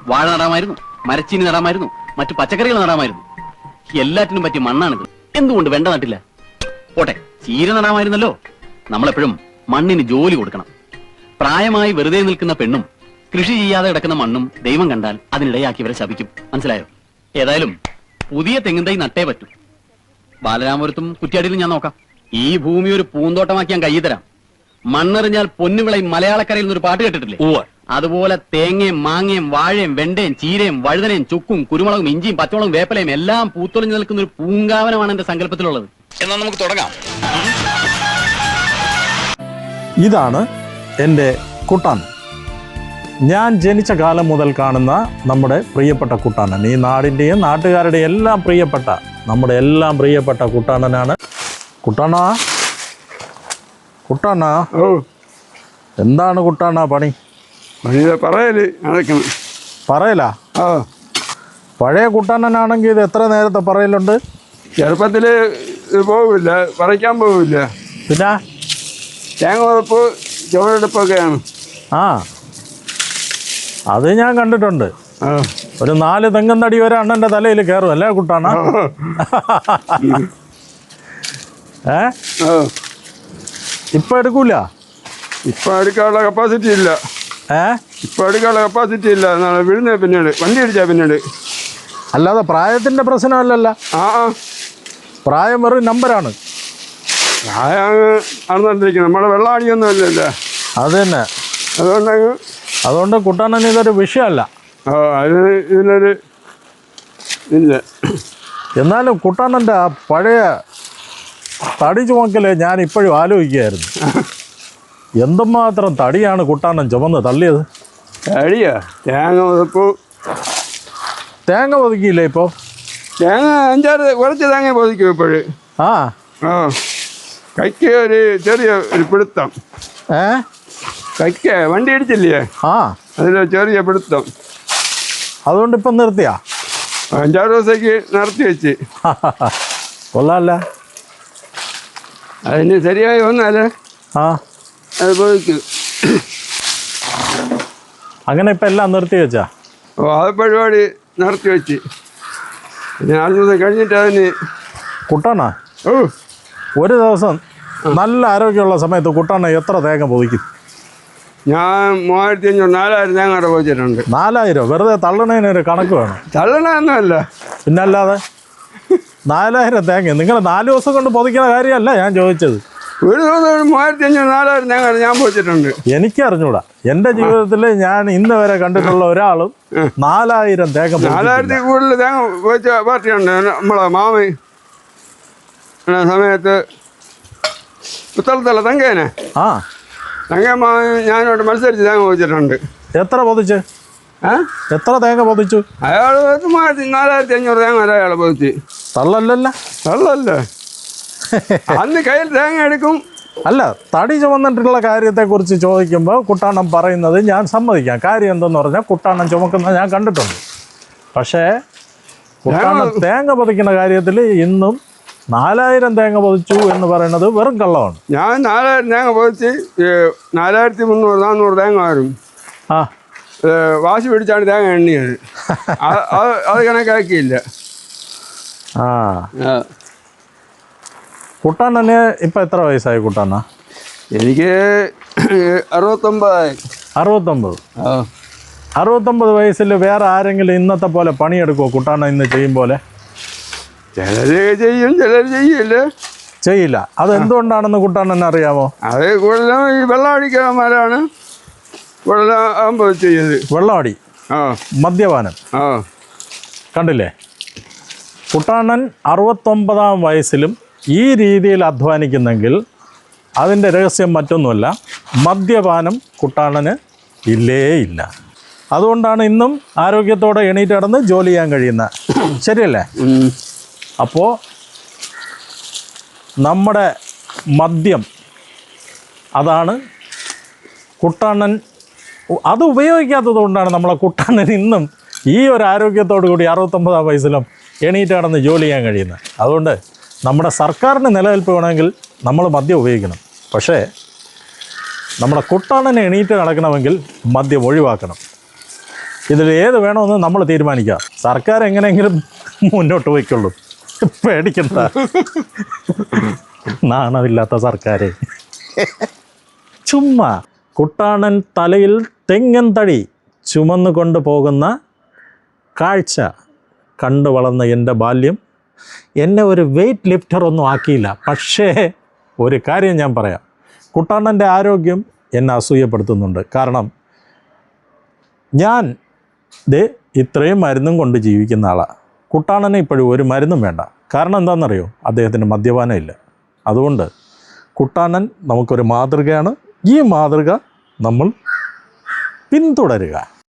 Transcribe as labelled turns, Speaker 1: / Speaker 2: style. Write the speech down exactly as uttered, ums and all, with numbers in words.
Speaker 1: വാഴ നടാമായിരുന്നു, മരച്ചീനി നടാമായിരുന്നു, മറ്റു പച്ചക്കറികൾ നടാമായിരുന്നു. എല്ലാറ്റിനും പറ്റിയ മണ്ണാണിത്. എന്തുകൊണ്ട് വെണ്ട നട്ടില്ല? പോട്ടെ, ചീര നടാമായിരുന്നല്ലോ. നമ്മളെപ്പോഴും മണ്ണിന് ജോലി കൊടുക്കണം. പ്രായമായി വെറുതെ നിൽക്കുന്ന പെണ്ണും കൃഷി ചെയ്യാതെ കിടക്കുന്ന മണ്ണും ദൈവം കണ്ടാൽ അതിനിടയാക്കിയവരെ ശപിക്കും. മനസ്സിലായോ? ഏതായാലും പുതിയ തെങ്ങിൻ തൈ നട്ടേ പറ്റൂ. ബാലരാമപുരത്തും കുറ്റ്യാടിയിലും ഞാൻ നോക്കാം. ഈ ഭൂമി ഒരു പൂന്തോട്ടമാക്കി ഞാൻ കൈ തരാം. മണ്ണെറിഞ്ഞാൽ പൊന്നുവിളയും മലയാളക്കരയിൽ നിന്നൊരു പാട്ട് കേട്ടിട്ടില്ലേ? അതുപോലെ തേങ്ങയും മാങ്ങയും വാഴയും വെണ്ടയും ചീരയും വഴുതനയും ചുക്കും കുരുമുളകും ഇഞ്ചിയും പച്ചമുളകും വേപ്പലയും എല്ലാം പൂത്തൊളിഞ്ഞു നിൽക്കുന്ന ഒരു പൂങ്കാവനമാണ് എന്റെ സങ്കല്പത്തിലുള്ളത്. എന്നാൽ നമുക്ക് തുടങ്ങാം.
Speaker 2: ഇതാണ് എൻ്റെ കുട്ടാനൻ. ഞാൻ ജനിച്ച കാലം മുതൽ കാണുന്ന നമ്മുടെ പ്രിയപ്പെട്ട കുട്ടാനൻ. ഈ നാടിൻ്റെയും നാട്ടുകാരുടെയും എല്ലാം പ്രിയപ്പെട്ട, നമ്മുടെ എല്ലാം പ്രിയപ്പെട്ട കുട്ടാനനാണ്. കുട്ടാണ കുട്ടാണ
Speaker 3: ഓ
Speaker 2: എന്താണ് കുട്ടാണ പണി?
Speaker 3: പറയല് നടക്കണം.
Speaker 2: പറയലാ?
Speaker 3: ആ,
Speaker 2: പഴയ കുട്ടാനനാണെങ്കിൽ ഇത് എത്ര നേരത്തെ പറയലുണ്ട്?
Speaker 3: ചെറുപ്പത്തിൽ പോവില്ല, പറിക്കാൻ പോവില്ല.
Speaker 2: പിന്നെ
Speaker 3: തേങ്ങ ഉറപ്പ് ചുവടെടുപ്പൊക്കെയാണ്.
Speaker 2: ആ, അത് ഞാൻ കണ്ടിട്ടുണ്ട്.
Speaker 3: ആ,
Speaker 2: ഒരു നാല് തെങ്ങൻ തടി വരെ അണ്ണൻ്റെ തലയിൽ കയറും അല്ലേ കുട്ടാണ? ഏ ഇപ്പം എടുക്കൂല?
Speaker 3: ഇപ്പം എടുക്കാനുള്ള കപ്പാസിറ്റി ഇല്ല.
Speaker 2: ഏ
Speaker 3: ഇപ്പം എടുക്കാനുള്ള കപ്പാസിറ്റി ഇല്ല. നാളെ വീഴുന്ന പിന്നീട് വണ്ടി അടിച്ചാൽ പിന്നീട്.
Speaker 2: അല്ലാതെ പ്രായത്തിൻ്റെ പ്രശ്നമല്ലല്ലോ.
Speaker 3: ആ ആ
Speaker 2: പ്രായം വെറും നമ്പറാണ്.
Speaker 3: പ്രായമാണ് നടന്നുകൊണ്ടിരിക്കുന്നത്. നമ്മുടെ വെള്ളം അടിയൊന്നും അല്ലല്ലോ.
Speaker 2: അത് തന്നെ.
Speaker 3: അതുകൊണ്ടങ്ങ്
Speaker 2: അതുകൊണ്ട് കുട്ടാനന് ഇതൊരു വിഷയമല്ല.
Speaker 3: ആ, അതിന് ഇതിനൊരു ഇല്ല.
Speaker 2: എന്നാലും കുട്ടാനൻ്റെ ആ പഴയ തടി ചുമക്കൽ ഞാൻ ഇപ്പോഴും ആലോചിക്കുകയായിരുന്നു. എന്തുമാത്രം തടിയാണ് കുട്ടാനൻ ചുമന്ന് തള്ളിയത്.
Speaker 3: തടിയാ? തേങ്ങ ഉറപ്പ്
Speaker 2: തേങ്ങ ഒതുക്കിയില്ലേ ഇപ്പോൾ?
Speaker 3: തേങ്ങ അഞ്ചാറ് കുറച്ച് തേങ്ങ പൊതിക്കും ഇപ്പോഴ്.
Speaker 2: ആ
Speaker 3: ആ, കൈക്ക് ഒരു ചെറിയ ഒരു പിടുത്തം.
Speaker 2: ഏ
Speaker 3: കൈക്ക് വണ്ടി അടിച്ചില്ലേ?
Speaker 2: ആ,
Speaker 3: അതിൽ ചെറിയ പിടുത്തം.
Speaker 2: അതുകൊണ്ട് ഇപ്പം നിർത്തിയാ?
Speaker 3: അഞ്ചാറ് ദിവസത്തേക്ക് നിർത്തി വെച്ച്.
Speaker 2: കൊള്ളാമല്ല.
Speaker 3: അതിന് ശരിയായി വന്നാലേ
Speaker 2: ആ,
Speaker 3: അത് പൊതിക്കും.
Speaker 2: അങ്ങനെ ഇപ്പം എല്ലാം നിർത്തി വെച്ചാ?
Speaker 3: ഓ, അത് പരിപാടി നിർത്തി വെച്ച്. പിന്നെ ആറ് ദിവസം കഴിഞ്ഞിട്ട് അതിന്
Speaker 2: കുട്ടാണ
Speaker 3: ഓ
Speaker 2: ഒരു ദിവസം നല്ല ആരോഗ്യമുള്ള സമയത്ത് കുട്ടാണ എത്ര തേങ്ങ പൊതിക്കും?
Speaker 3: ഞാൻ മൂവായിരത്തി അഞ്ഞൂറ് നാലായിരം തേങ്ങ അവിടെ പോയിച്ചിട്ടുണ്ട്.
Speaker 2: നാലായിരം? വെറുതെ തള്ളണതിനൊരു കണക്ക് വേണം.
Speaker 3: തള്ളണമൊന്നുമല്ല,
Speaker 2: പിന്നല്ലാതെ. നാലായിരം തേങ്ങ നിങ്ങൾ നാല് ദിവസം കൊണ്ട് പൊതിക്കുന്ന കാര്യമല്ല ഞാൻ ചോദിച്ചത്.
Speaker 3: ഒരു ദിവസം മൂവായിരത്തി അഞ്ഞൂറ് നാലായിരം തേങ്ങ ഞാൻ പോയിച്ചിട്ടുണ്ട്.
Speaker 2: എനിക്കറിഞ്ഞൂടാ. എൻ്റെ ജീവിതത്തിൽ ഞാൻ ഇന്ന് വരെ കണ്ടിട്ടുള്ള ഒരാളും നാലായിരം തേങ്ങ
Speaker 3: നാലായിരത്തി കൂടുതൽ തേങ്ങ പോയിച്ച പാർട്ടിയുണ്ട്. നമ്മളെ മാമ സമയത്ത് പുത്തളത്തല്ല തങ്കേനെ.
Speaker 2: ആ,
Speaker 3: തങ്കേ മാമ ഞാനോട് മത്സരിച്ച് തേങ്ങ പോയിച്ചിട്ടുണ്ട്.
Speaker 2: എത്ര പൊതിച്ച്?
Speaker 3: ഏ
Speaker 2: എത്ര തേങ്ങ പൊതിച്ചു?
Speaker 3: അയാൾ മൂവായിരത്തി നാലായിരത്തി അഞ്ഞൂറ് തേങ്ങ വരെ അയാൾ പോയിച്ച്.
Speaker 2: തള്ളല്ലല്ല?
Speaker 3: തള്ളല്ലേ? അന്ന് കയ്യിൽ തേങ്ങ എടുക്കും.
Speaker 2: അല്ല, തടി ചുമന്നിട്ടുള്ള കാര്യത്തെക്കുറിച്ച് ചോദിക്കുമ്പോൾ കുട്ടാണം പറയുന്നത് ഞാൻ സമ്മതിക്കാം. കാര്യം എന്തെന്ന് പറഞ്ഞാൽ കുട്ടാണം ചുമക്കുന്നത് ഞാൻ കണ്ടിട്ടുണ്ട്. പക്ഷേ കുട്ടാണം തേങ്ങ പൊതിക്കുന്ന കാര്യത്തിൽ ഇന്നും നാലായിരം തേങ്ങ പൊതിച്ചു എന്ന് പറയുന്നത് വെറും കള്ളമാണ്.
Speaker 3: ഞാൻ നാലായിരം തേങ്ങ പൊതിച്ച് നാലായിരത്തി മുന്നൂറ് നാന്നൂറ് തേങ്ങ വരും.
Speaker 2: ആ,
Speaker 3: വാശി പിടിച്ചാണ് തേങ്ങ എണ്ണിയത്. അത് കണക്കാക്കിയില്ല.
Speaker 2: ആ, കുട്ടാണന് ഇപ്പം എത്ര വയസ്സായി കുട്ടാണ?
Speaker 3: എനിക്ക് അറുപത്തൊമ്പതായി.
Speaker 2: അറുപത്തൊമ്പത്?
Speaker 3: ആ,
Speaker 2: അറുപത്തൊമ്പത് വയസ്സിൽ വേറെ ആരെങ്കിലും ഇന്നത്തെ പോലെ പണിയെടുക്കുമോ കുട്ടാണ ഇന്ന് ചെയ്യും പോലെ?
Speaker 3: ചിലർ ചെയ്യും, ചിലർ ചെയ്യില്ല.
Speaker 2: ചെയ്യില്ല. അത് എന്തുകൊണ്ടാണെന്ന് കുട്ടാണന് അറിയാമോ?
Speaker 3: അത് കൂടുതലും ഈ വെള്ളം അടിക്കാന്മാരാണ് കൂടുതലും ആകുമ്പോൾ ചെയ്യത്.
Speaker 2: വെള്ളമടി,
Speaker 3: ആ,
Speaker 2: മദ്യപാനം.
Speaker 3: ആ,
Speaker 2: കണ്ടില്ലേ? കുട്ടാണൻ അറുപത്തൊമ്പതാം വയസ്സിലും ഈ രീതിയിൽ അധ്വാനിക്കുന്നെങ്കിൽ അതിൻ്റെ രഹസ്യം മറ്റൊന്നുമല്ല, മദ്യപാനം കുട്ടാണന് ഇല്ലേ ഇല്ല. അതുകൊണ്ടാണ് ഇന്നും ആരോഗ്യത്തോടെ എണീറ്റ് നടന്ന് ജോലി ചെയ്യാൻ കഴിയുന്നത്. ശരിയല്ലേ? അപ്പോൾ നമ്മുടെ മദ്യം അതാണ് കുട്ടാണൻ. അത് ഉപയോഗിക്കാത്തത് കൊണ്ടാണ് നമ്മളെ കുട്ടാണൻ ഇന്നും ഈ ഒരു ആരോഗ്യത്തോടു കൂടി അറുപത്തൊമ്പതാം വയസ്സിലും എണീറ്റ് നടന്ന് ജോലി ചെയ്യാൻ കഴിയുന്നത്. അതുകൊണ്ട് നമ്മുടെ സർക്കാരിന് നിലനിൽപ്പ് വേണമെങ്കിൽ നമ്മൾ മദ്യം ഉപയോഗിക്കണം. പക്ഷേ നമ്മുടെ കുട്ടാണനെ എണീറ്റ് നടക്കണമെങ്കിൽ മദ്യം ഒഴിവാക്കണം. ഇതിൽ ഏത് വേണമെന്ന് നമ്മൾ തീരുമാനിക്കാം. സർക്കാർ എങ്ങനെയെങ്കിലും മുന്നോട്ട് പോയിക്കൊള്ളൂ, പേടിക്കണ്ട. നാണമില്ലാത്ത സർക്കാരെ. ചുമ്മാ കുട്ടാണൻ തലയിൽ തെങ്ങൻ തടി ചുമന്നു കൊണ്ട് പോകുന്ന കാഴ്ച കണ്ടു വളർന്ന എൻ്റെ ബാല്യം എന്നെ ഒരു വെയ്റ്റ് ലിഫ്റ്റർ ഒന്നും ആക്കിയില്ല. പക്ഷേ ഒരു കാര്യം ഞാൻ പറയാം, കുട്ടാണൻ്റെ ആരോഗ്യം എന്നെ അസൂയപ്പെടുത്തുന്നുണ്ട്. കാരണം ഞാൻ ദേ ഇത്രയും മരുന്നും കൊണ്ട് ജീവിക്കുന്ന ആളാണ്. കുട്ടാണന് ഇപ്പോഴും ഒരു മരുന്നും വേണ്ട. കാരണം എന്താണെന്നറിയോ? അദ്ദേഹത്തിന് മദ്യപാനം ഇല്ല. അതുകൊണ്ട് കുട്ടാണൻ നമുക്കൊരു മാതൃകയാണ്. ഈ മാതൃക നമ്മൾ പിന്തുടരുക.